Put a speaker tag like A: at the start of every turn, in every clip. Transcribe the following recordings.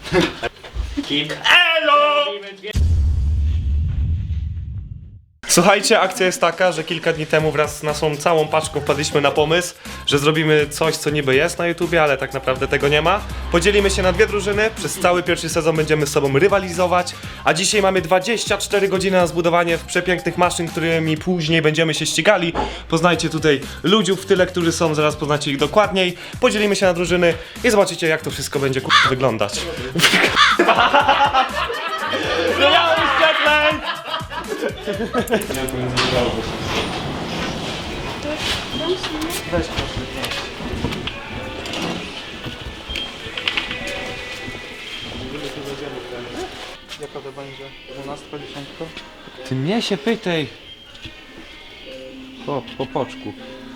A: Kim?
B: Elo! Słuchajcie, akcja jest taka, że kilka dni temu wraz z naszą całą paczką wpadliśmy na pomysł, że zrobimy coś, co niby jest na YouTubie, ale tak naprawdę tego nie ma. Podzielimy się na dwie drużyny, przez cały pierwszy sezon będziemy z sobą rywalizować, a dzisiaj mamy 24 godziny na zbudowanie przepięknych maszyn, którymi później będziemy się ścigali. Poznajcie tutaj ludziów w tyle, którzy są, zaraz poznacie ich dokładniej. Podzielimy się na drużyny i zobaczycie, jak to wszystko będzie wyglądać. Zmieniamy świetleń! Weź proszę.
C: Jaka to będzie? 12, 10?
B: Ty mnie się pytaj. Po poczku.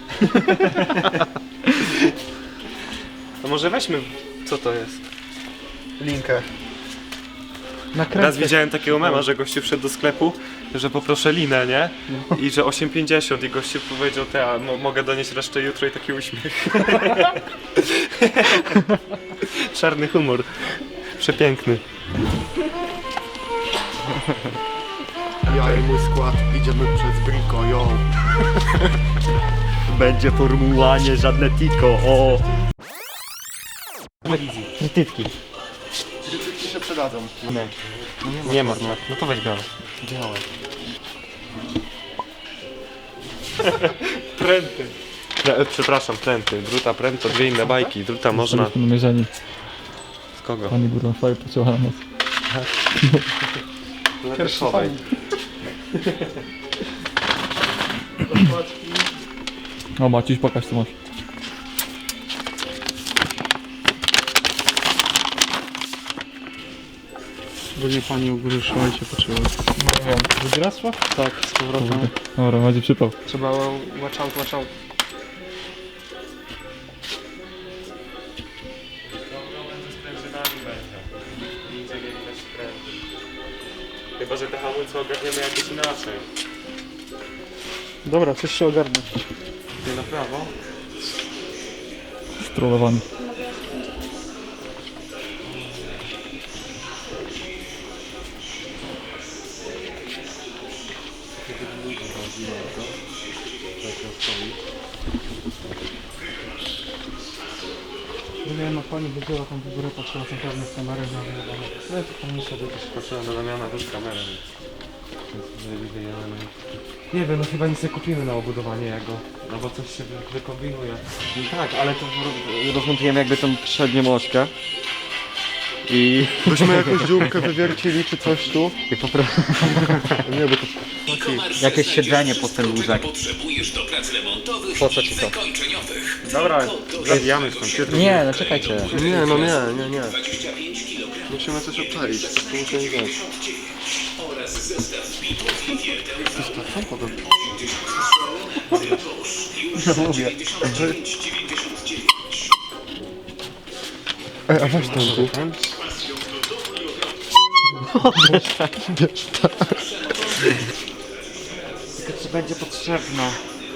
B: To może weźmy, co to jest?
C: Linkę.
B: Raz widziałem takiego mema, że gościu wszedł do sklepu, że poproszę linę, nie? I że 8,50 i gościu powiedział, mogę donieść resztę jutro i taki uśmiech. Czarny humor. Przepiękny.
D: Ja i mój skład idziemy przez Brico, yo.
A: Będzie formuła, nie żadne tiko, o! Krytytki.
D: Krytyki się przydadzą.
B: Nie ma. No to weź białe.
D: Białe.
B: Pręty. Przepraszam, pręty. Druta, pręt to dwie inne bajki. Druta można...
E: Byliśmy namierzeni.
B: Z kogo?
E: Pani Burnofoje pociąła na nas.
B: Pierwszowej.
E: O Maciuś, pokaż co masz.
C: Będzie pani u góry szła i się poczuła.
E: Nie wiem, drugi raz szła?
C: Tak, z powrotem.
E: Dobra, będzie przypał.
C: Trzeba watch out, watch out.
B: Chyba, że te hamulce ogarniemy jakoś inaczej.
C: Dobra, coś się ogarnę.
B: Ty na prawo.
E: Strollowany.
C: Nie no, pani wybiła tam w górę, patrzyła tam pewnie z kamery na
B: No to pan sobie też patrzyłem do Damiana też kamerę. Nie wiem, no chyba nic nie kupimy na obudowanie jego. No bo coś się wykombinuje.
A: Tak, ale to rozmontujemy jakby tą przednią ośkę. I...
D: Byśmy jakąś dziurkę wywiercili czy coś tu.
A: I po prostu...
D: Nie, bo to...
A: Jakieś siedzenie pod ten łóżek.
F: Potrzebujesz do prac remontowych
A: Po co
F: i
A: ci to?
F: wykończeniowych.
B: Dobra, zabijamy stąd.
A: Nie, no czekajcie.
D: Nie, no nie.
F: 25 kg
D: Musimy coś obczaić. To musimy wziąć.
F: oraz zestaw bitów i wierteł.
D: Coś tak samochodem.
F: Już
D: mówię.
F: 99,99.
D: Ej, a weź ten tu.
A: Tylko ci będzie potrzebna.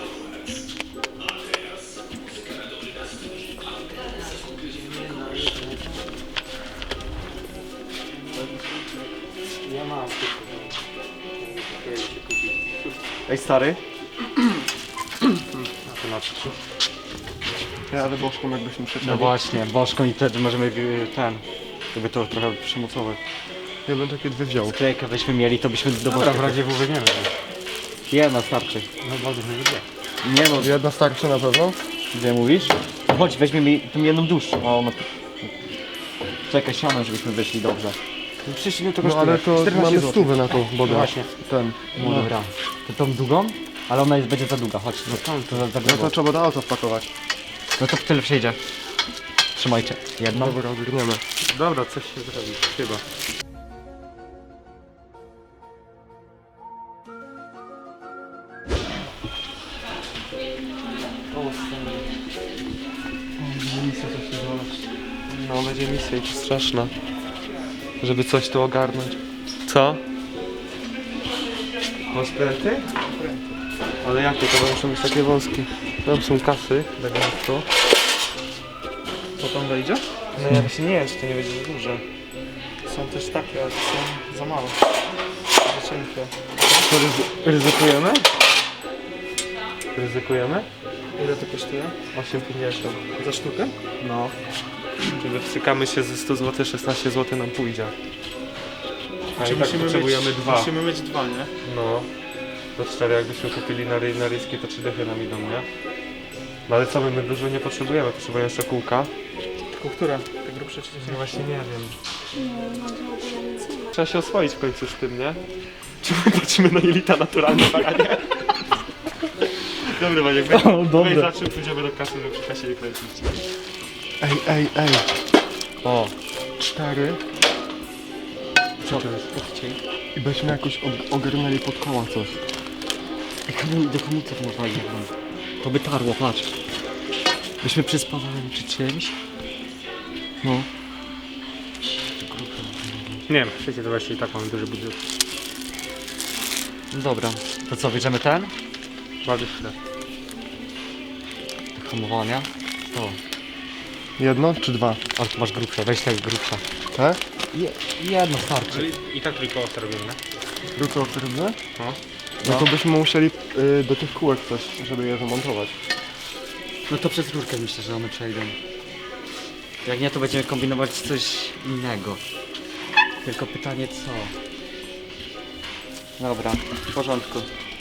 B: Ja mam.
A: Ej stary.
D: Ja, ale bożką jakbyśmy przecięli.
A: No właśnie, bożką i wtedy możemy jakby to trochę przymocować.
D: Ja bym takie dwie wziął.
A: Sklejkę byśmy mieli, to byśmy do
B: Dobra,
A: bożka.
B: w razie W weźmiemy.
A: Jedna starczy.
B: No bardzo nie wiem.
A: Nie no,
D: Jedna starczy na pewno?
A: gdzie mówisz? To chodź, weźmiemy tą jedną dłuższą. O, no. Czekaj, siano, żebyśmy wyszli dobrze.
B: No przecież nie to
D: No ale to
A: 14
D: mamy
A: złotych.
D: stówę na tą bodę.
A: Właśnie.
D: Ten.
A: No dobra. To tą długą? Ale ona będzie za długa, chodź. No tam, to za
D: No
A: grubo.
D: to trzeba do auta wpakować.
A: No to w tyle przejdzie. Trzymajcie. Jedną.
D: Dobra, ogarniemy.
B: Dobra, coś się zrobi. Chyba. No, będzie misja i to straszna. Żeby coś tu ogarnąć. Co? Masz pręty? Ale jakie to muszą być takie wąskie? Tam są kasy, elegancko.
C: Co tam wejdzie?
B: No ja właśnie nie wiem, czy to nie będzie za duże.
C: Są też takie, ale są za małe. Za cienkie.
B: To ryzykujemy? Ryzykujemy?
C: Ile to kosztuje?
B: 8,50.
C: Za sztukę?
B: No. Czyli wstrzykamy się ze 100 zł, 16 zł nam pójdzie. A i tak potrzebujemy dwa.
C: Musimy mieć dwa, nie?
B: No. To 4 jakbyśmy kupili na ryski, to 3 dychy nam idą, nie? No ale co, my dużo nie potrzebujemy, potrzebujemy jeszcze kółka.
C: Tylko które? Te grubsze czy
B: No właśnie nie wiem.
G: No, to w ogóle nic nie ma.
B: Trzeba się oswoić w końcu z tym, nie? Czy my patrzymy na jelita naturalne baranie? Dobry Maniek, weź za czym pójdziemy do kasy, żeby przy kasie nie kręcić.
D: Ej.
B: O,
D: 4.
A: Co? Odcień.
D: I byśmy jakoś ogarnęli pod koła coś.
A: Do hamulców normalnie. To by tarło, patrz. Byśmy przyspawali czy czymś. No.
C: Nie wiem, przecież to właśnie i tak mamy duży budżet.
A: Dobra. To co, bierzemy ten?
C: 20.
A: Do hamowania. To.
D: Jedno czy dwa?
A: Ale tu masz grubsze, weź tak grubsze.
D: Tak?
A: Jedno starczy.
C: I tak tylko robimy, nie?
D: Drugie okrętne?
C: No.
D: No to byśmy musieli do tych kółek coś, żeby je zamontować.
A: No to przez rurkę myślę, że one przejdą. Jak nie, to będziemy kombinować coś innego. Tylko pytanie co? Dobra, w porządku.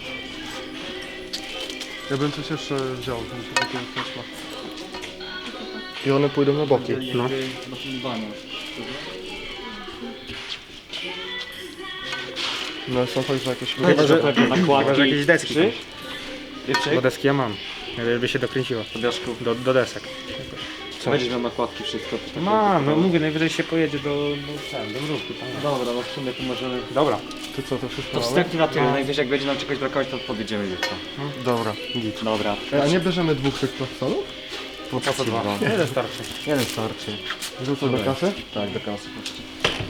D: Ja bym coś jeszcze wziął, żeby się takiego coś ma. I one pójdą na boki.
C: No.
D: No są także jakieś...
C: Chyba, że
A: nakładki.
C: jakieś deski.
A: Jeszcze?
C: Bo deski ja mam. Żeby się dokręciło. Do desek.
A: Weźmy nakładki, wszystko.
C: Mam, no mówię, najwyżej się pojedzie do mrówki.
A: Dobra, no w sumie to możemy...
C: Dobra.
D: Ty co, to wszystko
A: To
D: mamy?
A: wstępnie na tyle, najwyżej jak będzie nam czegoś brakować, to podjedziemy jutro.
D: Dobra, git.
A: Dobra.
D: A nie bierzemy dwóch tych plastolów?
A: Po co dwa?
C: Jeden starczy.
A: Jeden starczy.
D: Rzucę do kasy?
A: Tak, do kasy. chodźcie.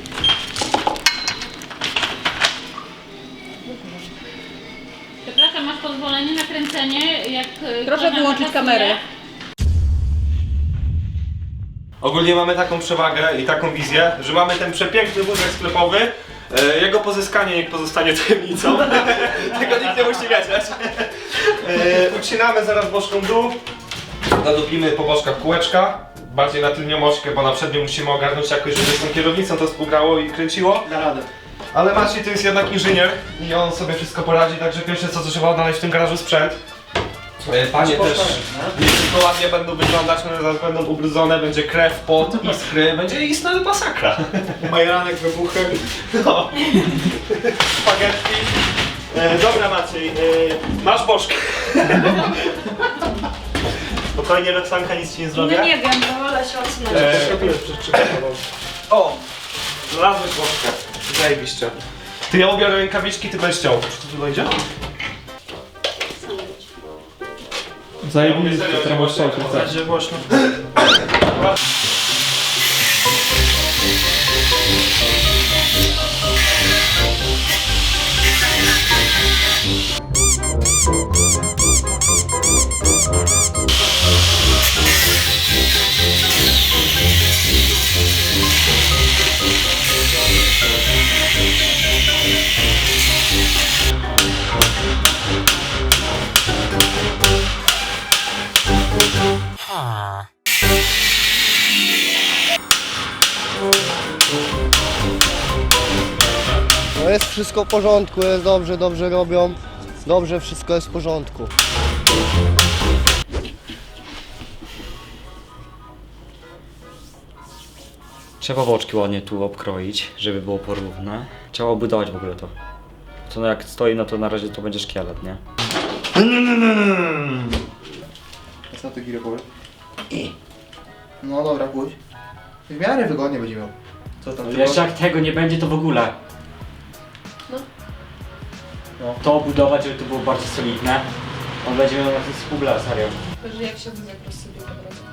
G: Przepraszam, masz pozwolenie na kręcenie, jak...
H: Proszę wyłączyć kamerę.
B: Ogólnie mamy taką przewagę i taką wizję, że mamy ten przepiękny wózek sklepowy. Jego pozyskanie niech pozostanie tajemnicą. Tego nikt nie musi wiedzieć. Ucinamy zaraz boczką dół. Nadupimy po boczkach kółeczka. Bardziej na tylnią ośkę, bo na przednią musimy ogarnąć jakoś, żeby z tą kierownicą to współgrało i kręciło.
C: Da radę.
B: Ale Maciej to jest jednak inżynier i on sobie wszystko poradzi, także pierwsze co trzeba odnaleźć w tym garażu sprzęt. Panie też nie tylko ładnie będą wyglądać, one zaraz będą ubrudzone, będzie krew, pot, iskry, będzie istna masakra.
C: Majeranek wybuchem.
B: No. Spaghetti. Dobra Maciej, masz bożkę. Spokojnie Roxanka, nic ci nie zrobię.
H: No nie wiem, bo wolę się odsunąć.
B: O! Znalazłeś bożkę. Zajebiście. Ty ja ubiorę rękawiczki, ty będziesz ciął. Czy to dojdzie?
E: Zajebiste,
B: serio,
E: to masz
B: głośno.
E: szałkę.
C: Będzie głośno.
I: No jest wszystko w porządku, jest dobrze robią. Dobrze, wszystko jest w porządku.
A: Trzeba boczki ładnie tu obkroić, żeby było porówne. Trzeba obudować w ogóle to. To no jak stoi, no to na razie to będzie szkielet, nie?
J: Co ty Giro powiesz? No dobra, pójdź. W miarę wygodnie będzie miał. Co tam?
A: Jeszcze jak tego nie będzie, to w ogóle.
H: No.
A: To obudować, żeby to było bardziej solidne. On będzie miał na tym spubla, serio.
H: Że jak się wózek rozsypie po drodze.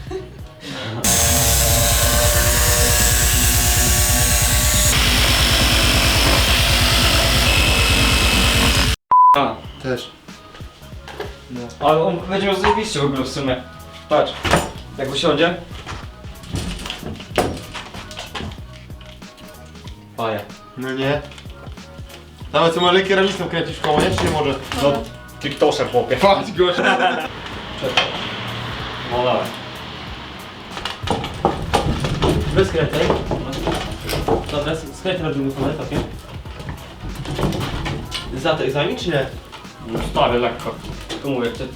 A: A,
J: Też.
A: ale on będzie miał zajebiście w ogóle w sumie. Patrz, jak usiądzie. Oja.
D: No nie. Nawet co może kierownicą kręcić w koło, nie? Czy nie może? No, TikToker chłopie. Patrz gość.
A: No dobra. Bez skręcaj. Dobra, skręcaj robimy sobie, takie. Za to egzamin czy nie?
E: No stary, lekko.
A: Tylko mówię, to...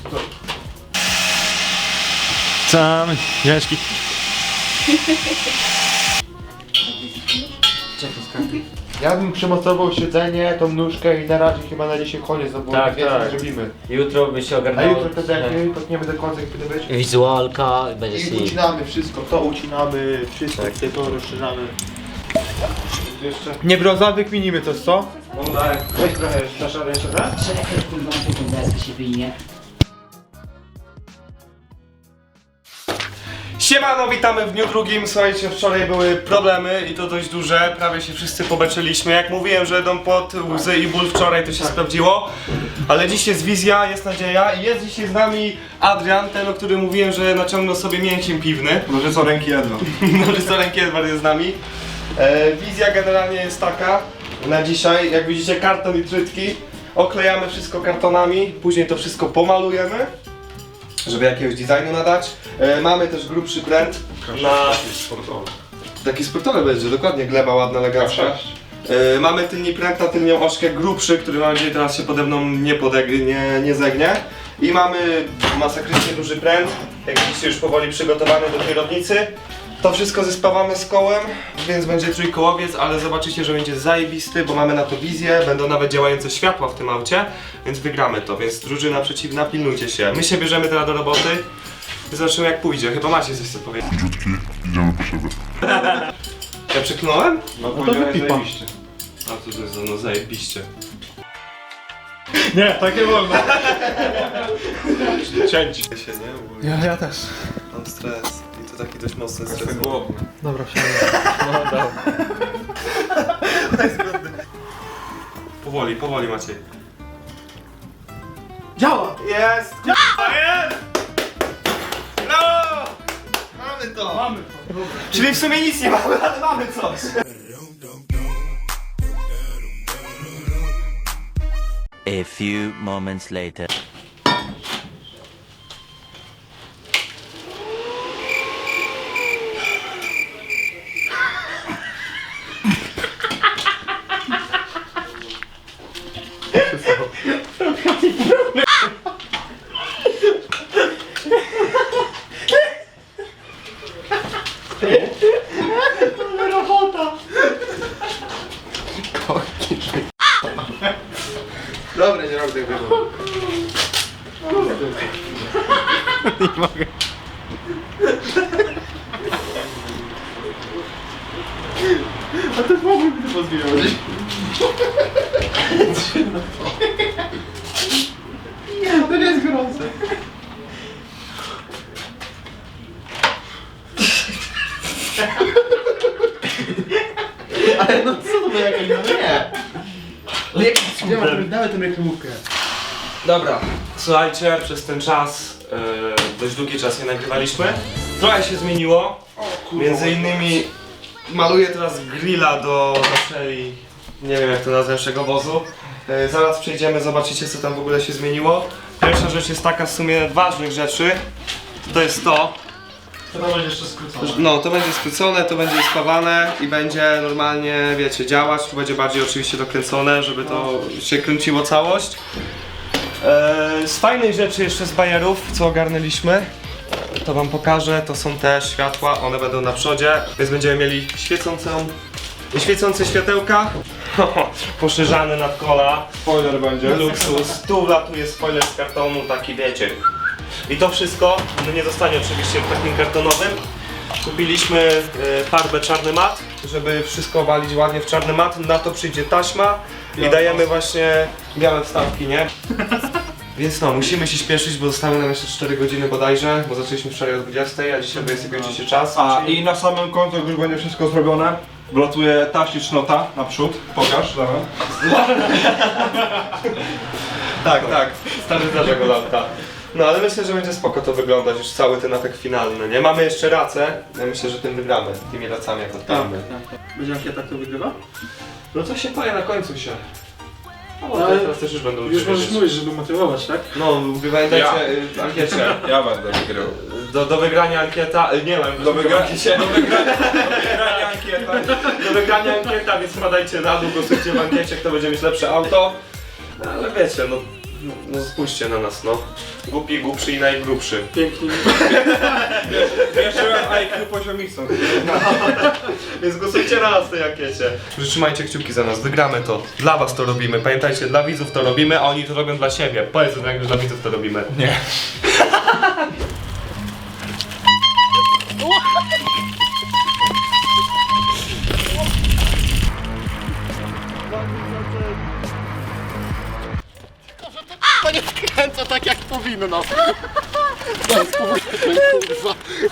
E: Sam, ciężki.
A: Czekaj, skręcaj.
D: Ja bym przymocował siedzenie, tą nóżkę i na razie chyba na dzisiaj koniec, no bo
A: Tak,
D: więcej
A: tak.
D: zrobimy.
A: Jutro by się
D: A
A: ogarnęło.
D: jutro wtedy jak nie, potniemy do końca, jak powinno być.
A: Wizualka, będzie
D: I ucinamy wszystko, to ucinamy, wszystko, tutaj to rozszerzamy. Jeszcze. Nie broza, wykminimy coś, co?
B: No tak.
D: Weź trochę, dasz radę jeszcze, tak?
B: Siemano, witamy w dniu drugim. Słuchajcie, wczoraj były problemy i to dość duże. Prawie się wszyscy pobeczyliśmy. Jak mówiłem, że idą pod łzy i ból wczoraj, to się sprawdziło. Ale dziś jest wizja, jest nadzieja i jest dzisiaj z nami Adrian, ten, o którym mówiłem, że naciągnął sobie mięciem piwny.
D: Może co ręki jedno.
B: Może co ręki Edward jest z nami. Wizja generalnie jest taka na dzisiaj. Jak widzicie, karton i trytki. Oklejamy wszystko kartonami, później to wszystko pomalujemy, żeby jakiegoś designu nadać. Mamy też grubszy pręt na... Taki sportowy będzie, dokładnie, gleba ładna, elegancka. Mamy tylni pręt na tylnią ośkę grubszy, który mam nadzieję teraz się pode mną nie zegnie. I mamy masakrycznie duży pręt, jak widzicie już powoli przygotowany do kierownicy. To wszystko zespawamy z kołem, więc będzie trójkołowiec, ale zobaczycie, że będzie zajebisty, bo mamy na to wizję, będą nawet działające światła w tym aucie, więc wygramy to, więc drużyna przeciwna, pilnujcie się. My się bierzemy teraz do roboty, zobaczymy jak pójdzie, chyba macie coś co powiedzieć.
E: Idziemy po siebie.
B: Ja przeklnąłem?
D: No to wypipa.
B: A to jest no zajebiście.
D: Nie, tak nie wolno. Cięć.
B: Się, nie?
D: Ja też.
B: Mam stres i to taki dość mocny stres.
D: Dobra, wsiadam.
B: Powoli Maciej.
D: Działa!
B: Jest! Jest! Brawo! Mamy to!
D: Mamy.
B: Czyli w sumie nic nie mamy, ale mamy coś!
K: A few moments later.
D: Dobra, nie robię tego. Nie mogę. A to mogłyby to pozbierać. To nie jest gorące. Ale no co to było jakieś, no nie. Ale jak dawaj tę reklamówkę.
B: Dobra, słuchajcie, przez ten czas, dość długi czas nie nagrywaliśmy. Trochę się zmieniło. Między innymi maluję teraz grilla do naszej, nie wiem jak to nazwać, naszego wozu. Zaraz przejdziemy, zobaczycie co tam w ogóle się zmieniło. Pierwsza rzecz jest taka, w sumie ważnych rzeczy, to jest to.
D: To będzie jeszcze skrócone.
B: No, to będzie skrócone, to będzie spawane i będzie normalnie, wiecie, działać. Tu będzie bardziej oczywiście dokręcone, żeby to się kręciło całość. Z fajnych rzeczy jeszcze z bajerów, co ogarnęliśmy, to wam pokażę, to są te światła, one będą na przodzie, więc będziemy mieli świecące światełka, poszerzane nadkola,
D: Spoiler będzie.
B: luksus, tu wlatuje spoiler z kartonu, taki wiecie. I to wszystko nie zostanie oczywiście w takim kartonowym. Kupiliśmy farbę czarny mat, żeby wszystko walić ładnie w czarny mat. Na to przyjdzie taśma i dajemy właśnie białe wstawki, nie? Więc no, musimy się śpieszyć, bo zostały nam jeszcze 4 godziny bodajże, bo zaczęliśmy wczoraj o 20, a dzisiaj kończy się czas.
D: A
B: czyli-
D: i na samym końcu, jak już będzie wszystko zrobione, wlatuje taśli cznota naprzód. Pokaż, dawaj.
B: Tak, stary zdarza go lampka. No ale myślę, że będzie spoko to wyglądać, już cały ten atak finalny, nie? Mamy jeszcze racę, ja myślę, że tym wygramy, tymi racami jak odpalimy.
C: Tak. Będzie ankieta, kto wygrywa?
B: No to się powie na końcu się. No,
C: No, ale
B: teraz też już będą
C: Już możesz
B: wiedzieć.
C: mówić, żeby motywować, tak?
B: No, pamiętajcie, ankiecie.
E: Ja będę wygrał.
B: Do wygrania ankieta, nie wiem, do wygrania ankieta. Do wygrania ankieta, więc wpadajcie na dół, głosujcie w ankiecie, kto będzie mieć lepsze auto. No, ale wiecie, no spójrzcie na nas, no. Głupi, głupszy i najgrubszy.
C: Pięknie.
E: Wierzyłem IQ poziomicą.
B: Więc głosujcie na nas w tej ankiecie. Trzymajcie kciuki za nas, wygramy to. Dla was to robimy, pamiętajcie, dla widzów to robimy, a oni to robią dla siebie. Powiedz, że dla widzów to robimy. Nie.
I: To nie skręca tak jak powinno. To jest kurwa.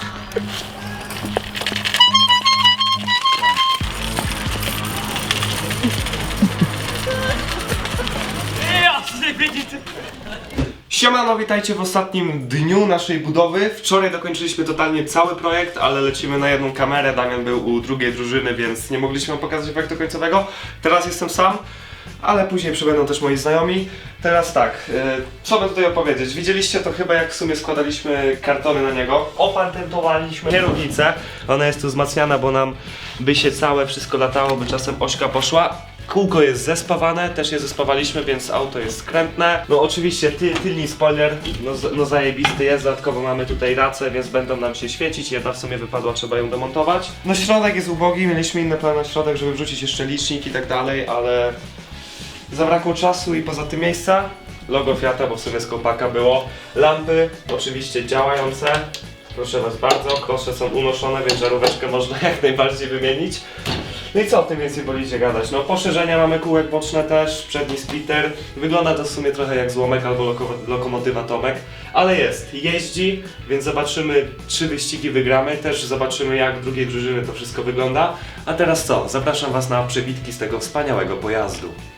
B: Siemano, witajcie w ostatnim dniu naszej budowy. Wczoraj dokończyliśmy totalnie cały projekt, ale lecimy na jedną kamerę. Damian był u drugiej drużyny, więc nie mogliśmy wam pokazać efektu końcowego. Teraz jestem sam, ale później przybędą też moi znajomi. Teraz tak, co by tutaj opowiedzieć? Widzieliście to chyba, jak w sumie składaliśmy kartony na niego. Opatentowaliśmy kierownicę. Ona jest tu wzmacniana, bo nam by się całe wszystko latało, by czasem ośka poszła. Kółko jest zespawane, też je zespawaliśmy, więc auto jest skrętne. No oczywiście tylny spoiler, no zajebisty jest, dodatkowo mamy tutaj racę, więc będą nam się świecić. Jedna w sumie wypadła, trzeba ją demontować. No środek jest ubogi, mieliśmy inne plany na środek, żeby wrzucić jeszcze licznik i tak dalej, ale zabrakło czasu i poza tym miejsca. Logo Fiata, bo w sumie z kopaka było. Lampy oczywiście działające. Proszę was bardzo, kosze są unoszone, więc żaróweczkę można jak najbardziej wymienić. No i co o tym więcej wolicie gadać? No poszerzenia mamy kółek boczne też, przedni splitter. Wygląda to w sumie trochę jak złomek albo lokomotywa Tomek. Ale jest, jeździ, więc zobaczymy, 3 wyścigi wygramy. Też zobaczymy, jak w drugiej drużyny to wszystko wygląda. A teraz co? Zapraszam was na przebitki z tego wspaniałego pojazdu.